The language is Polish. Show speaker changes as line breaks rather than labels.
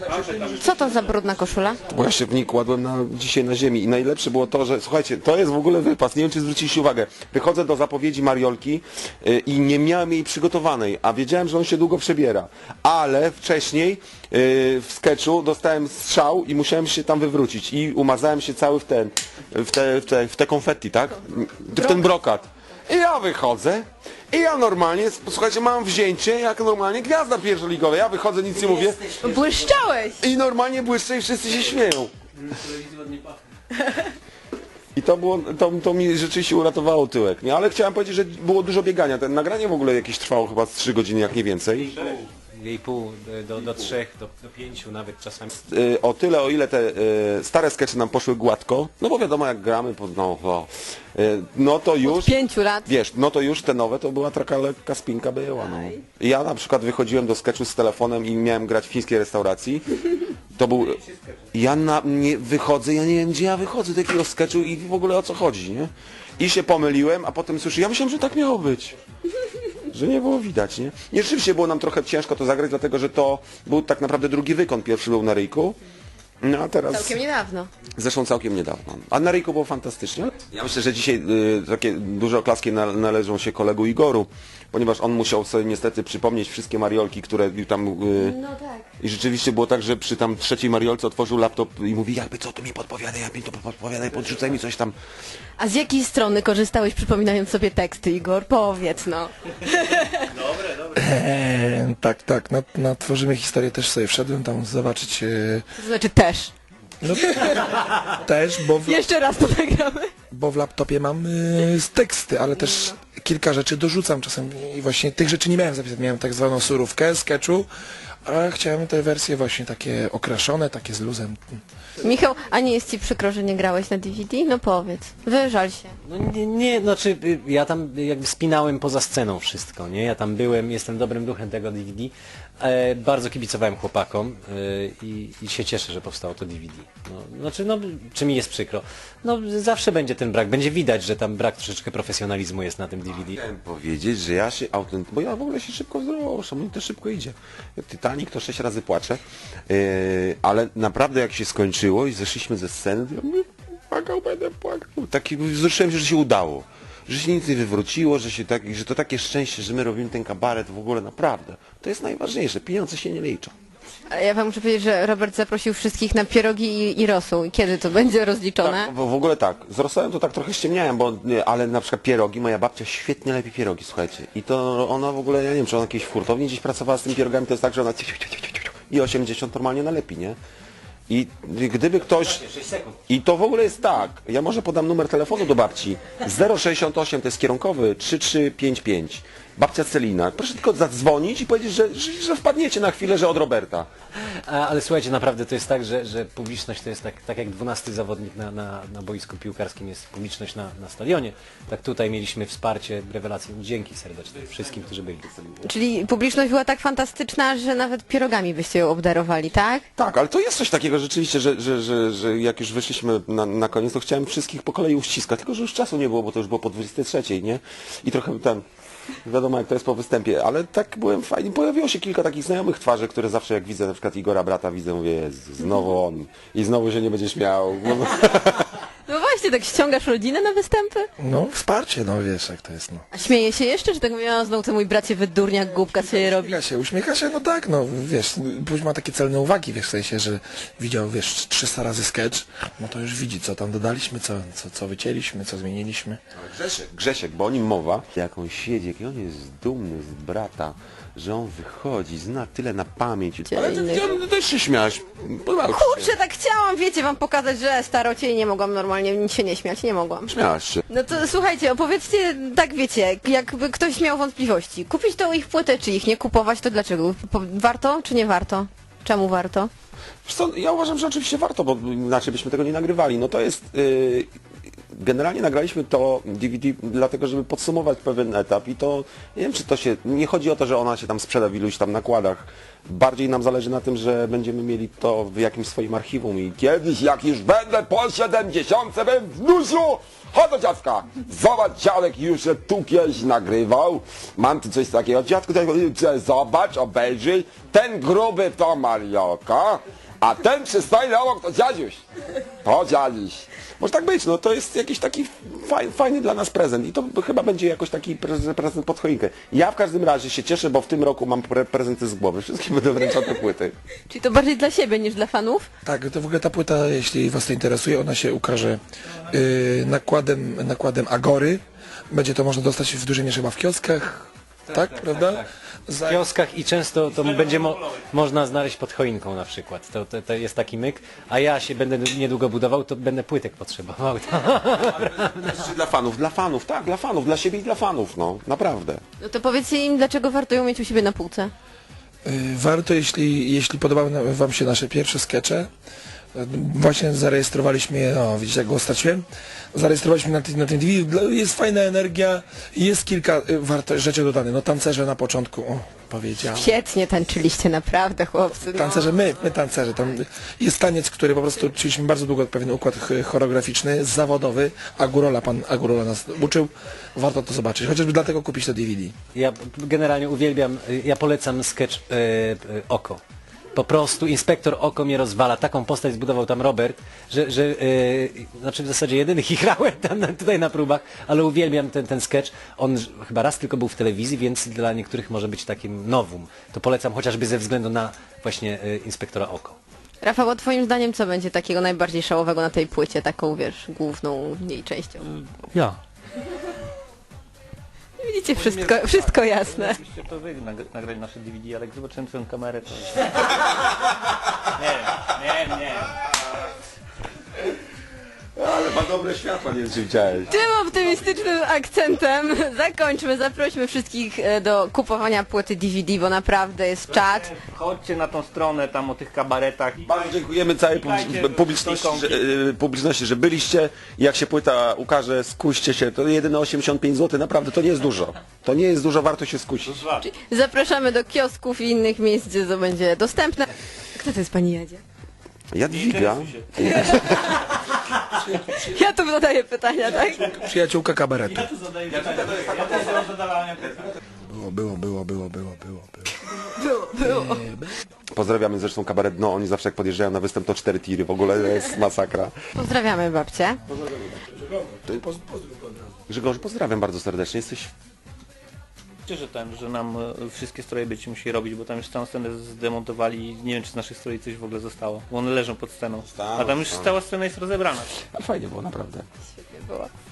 Co to za brudna koszula?
Bo ja się w niej kładłem dzisiaj na ziemi i najlepsze było to, że słuchajcie, to jest w ogóle wypas, nie wiem czy zwróciliście uwagę. Wychodzę do zapowiedzi Mariolki i nie miałem jej przygotowanej, a wiedziałem, że on się długo przebiera. Ale wcześniej w sketchu dostałem strzał i musiałem się tam wywrócić i umazałem się cały w te konfetti, tak? W ten brokat. I ja wychodzę i ja normalnie, słuchajcie, mam wzięcie jak normalnie gwiazda pierwszoligowa. Ja wychodzę, nic nie mówię.
Błyszczałeś!
I normalnie błyszczę i wszyscy się śmieją. I to mi rzeczywiście uratowało tyłek, nie? Ale chciałem powiedzieć, że było dużo biegania. Ten nagranie w ogóle jakieś trwało chyba z 3 godziny, jak nie więcej.
2,5 do 3, do 5 nawet czasami.
O tyle, o ile te stare skecze nam poszły gładko, no bo wiadomo jak gramy, no to już...
Od 5 lat.
Wiesz, no to już te nowe to była taka lekka spinka była, no. Ja na przykład wychodziłem do sketchu z telefonem i miałem grać w fińskiej restauracji. To był... nie wychodzę, ja nie wiem gdzie ja wychodzę do takiego sketchu i w ogóle o co chodzi, nie? I się pomyliłem, a potem słyszę, ja myślałem, że tak miało być. Że nie było widać, nie? I rzeczywiście było nam trochę ciężko to zagrać, dlatego że to był tak naprawdę drugi wykon, pierwszy był na Ryjku. No a teraz...
Całkiem niedawno.
Zresztą całkiem niedawno. A na Ryjku było fantastycznie. Ja myślę, że dzisiaj takie duże oklaski należą się kolegu Igoru, ponieważ on musiał sobie niestety przypomnieć wszystkie mariolki, które tam...
No tak.
I rzeczywiście było tak, że przy tam trzeciej mariolce otworzył laptop i mówi, jakby co tu mi podpowiadaj, jak mi to podpowiadaj, podrzucaj mi coś tam.
A z jakiej strony korzystałeś, przypominając sobie teksty, Igor? Powiedz, no.
Tak, na Tworzymy Historię też sobie wszedłem tam zobaczyć...
To znaczy też.
No, też,
Jeszcze raz to nagramy.
bo w laptopie mam teksty, ale też kilka rzeczy dorzucam czasem i właśnie tych rzeczy nie miałem zapisać. Miałem tak zwaną surówkę sketchu, a chciałem te wersje właśnie takie okraszone, takie z luzem.
Michał, a nie jest ci przykro, że nie grałeś na DVD? No powiedz. Wyżal się.
No nie, znaczy ja tam jakby spinałem poza sceną wszystko, nie? Ja tam byłem, jestem dobrym duchem tego DVD. Bardzo kibicowałem chłopakom i się cieszę, że powstało to DVD. No, znaczy, no, czy mi jest przykro? No zawsze będzie ten brak, będzie widać, że tam brak troszeczkę profesjonalizmu jest na tym DVD.
Chciałem powiedzieć, że ja się bo ja w ogóle się szybko wzruszam, mi to szybko idzie. Titanic to 6 razy płaczę, ale naprawdę jak się skończyło i zeszliśmy ze sceny, to ja mówię, będę płakał. Taki wzruszyłem się, że się udało. Że się nic nie wywróciło, że to takie szczęście, że my robimy ten kabaret w ogóle naprawdę. To jest najważniejsze, pieniądze się nie liczą.
A ja wam muszę powiedzieć, że Robert zaprosił wszystkich na pierogi i rosół. I kiedy to będzie rozliczone?
Tak, w ogóle tak. Z rosołem to tak trochę ściemniałem, ale na przykład pierogi, moja babcia świetnie lepi pierogi, słuchajcie. I to ona w ogóle, ja nie wiem, czy ona jakiejś furtowni gdzieś pracowała z tymi pierogami, to jest tak, że ona i 80 normalnie nalepi, nie? I gdyby ktoś... I to w ogóle jest tak, ja może podam numer telefonu do babci. 068 to jest kierunkowy 3355. Babcia Celina. Proszę tylko zadzwonić i powiedzieć, że wpadniecie na chwilę, że od Roberta.
Ale słuchajcie, naprawdę to jest tak, że publiczność to jest tak jak 12 zawodnik na boisku piłkarskim jest publiczność na stadionie. Tak tutaj mieliśmy wsparcie, rewelacje. Dzięki serdecznie wszystkim, którzy byli.
Czyli publiczność była tak fantastyczna, że nawet pierogami byście ją obdarowali, tak?
Tak, ale to jest coś takiego rzeczywiście, że jak już wyszliśmy na koniec, to chciałem wszystkich po kolei uściskać, tylko że już czasu nie było, bo to już było po 23, nie? I trochę wiadomo jak to jest po występie, ale tak byłem fajny. Pojawiło się kilka takich znajomych twarzy, które zawsze jak widzę na przykład Igora brata widzę, mówię, Jezu, znowu on i znowu się nie będzie śmiał.
No właśnie, tak ściągasz rodzinę na występy?
No, wsparcie, no wiesz jak to jest, no.
A śmieje się jeszcze, czy tak mówiła, znowu ten mój bracie wydurniak, głupka sobie robi?
Uśmiecha się, no tak, no wiesz, później ma takie celne uwagi, wiesz, w sensie, że widział, wiesz, 300 razy sketch, no to już widzi, co tam dodaliśmy, co wycięliśmy, co zmieniliśmy.
Grzesiek, bo o nim mowa, jak on siedzi, jak on jest dumny z brata, że on wychodzi, zna tyle na pamięć. Ale ty też się śmiałaś.
Kurczę, tak chciałam, wiecie, wam pokazać, że starocie i nie mogłam normalnie nic się nie śmiać, nie mogłam.
Śmiałaś się.
No to słuchajcie, opowiedzcie, tak wiecie, jakby ktoś miał wątpliwości. Kupić tą ich płytę, czy ich nie kupować, to dlaczego? Warto, czy nie warto? Czemu warto?
Wiesz co, ja uważam, że oczywiście warto, bo inaczej byśmy tego nie nagrywali. No to jest... generalnie nagraliśmy to DVD dlatego, żeby podsumować pewien etap i to, nie wiem czy to się, nie chodzi o to, że ona się tam sprzeda w iluś tam nakładach. Bardziej nam zależy na tym, że będziemy mieli to w jakimś swoim archiwum i kiedyś jak już będę po 70 bym w Nusiu, chodź do dziadka, zobacz dziadek już się tu kiedyś nagrywał, mam tu coś takiego, dziadku zobacz, obejrzyj, ten gruby to Mariolka, a ten przystojny obok to dziadziuś. To dziadziuś. Może tak być, no to jest jakiś taki fajny dla nas prezent i to chyba będzie jakoś taki prezent pod choinkę. Ja w każdym razie się cieszę, bo w tym roku mam prezenty z głowy. Wszystkim będę wręczał te płyty.
Czyli to bardziej dla siebie niż dla fanów?
Tak, to w ogóle ta płyta, jeśli was to interesuje, ona się ukaże nakładem Agory. Będzie to można dostać w dużej mierze chyba w kioskach, tak, prawda?
W kioskach i często to będzie można znaleźć pod choinką na przykład. To jest taki myk, a ja się będę niedługo budował, to będę płytek potrzebował.
Dla fanów, tak, dla fanów, dla siebie i dla fanów, no, naprawdę.
No to powiedzcie im, dlaczego warto ją mieć u siebie na półce.
Warto, jeśli podobały wam się nasze pierwsze skecze, właśnie zarejestrowaliśmy je, no widzicie jak go straciłem, zarejestrowaliśmy na tym DVD, jest fajna energia, jest kilka rzeczy dodane, no tancerze na początku, powiedziałem.
Świetnie tańczyliście, naprawdę chłopcy. No.
Tancerze, my tancerze, tam jest taniec, który po prostu uczyliśmy bardzo długo, pewien układ choreograficzny, zawodowy, pan Agurola nas uczył, warto to zobaczyć, chociażby dlatego kupić to DVD.
Ja generalnie uwielbiam, ja polecam sketch Oko. Po prostu Inspektor Oko mnie rozwala. Taką postać zbudował tam Robert, że znaczy w zasadzie jedynych ich grałem tutaj na próbach, ale uwielbiam ten sketch. On chyba raz tylko był w telewizji, więc dla niektórych może być takim nowum. To polecam chociażby ze względu na właśnie Inspektora Oko.
Rafał, a twoim zdaniem co będzie takiego najbardziej szałowego na tej płycie, taką wiesz, główną jej częścią?
Ja.
Widzicie, wszystko jasne.
Oczywiście to wy nagrali nasze DVD, ale jak zobaczyłem twoją kamerę, to... Nie.
Ale ma dobre światła, nie wiem czy widziałeś.
Tym optymistycznym akcentem zakończmy, zaprośmy wszystkich do kupowania płyty DVD, bo naprawdę jest czat.
Chodźcie na tą stronę tam o tych kabaretach.
Bardzo dziękujemy całej publiczności, że byliście. Jak się płyta ukaże, skuście się. To jedyne 85 zł, naprawdę to nie jest dużo. To nie jest dużo, warto się skusić.
Zapraszamy do kiosków i innych miejsc, gdzie to będzie dostępne. Kto to jest pani Jadzia?
Jadwiga.
Ja tu zadaję pytania, tak?
Przyjaciółka kabaretu. Było.
Pozdrawiamy zresztą kabaret Dno. Oni zawsze jak podjeżdżają na występ to 4 tiry. W ogóle jest masakra.
Pozdrawiamy babcię.
Grzegorz, pozdrawiam bardzo serdecznie. Jesteś...
Że nam wszystkie stroje być musi robić, bo tam już całą scenę zdemontowali i nie wiem czy z naszych stroi coś w ogóle zostało, bo one leżą pod sceną. A tam już cała scena jest rozebrana.
A fajnie było, naprawdę.
Świetnie było.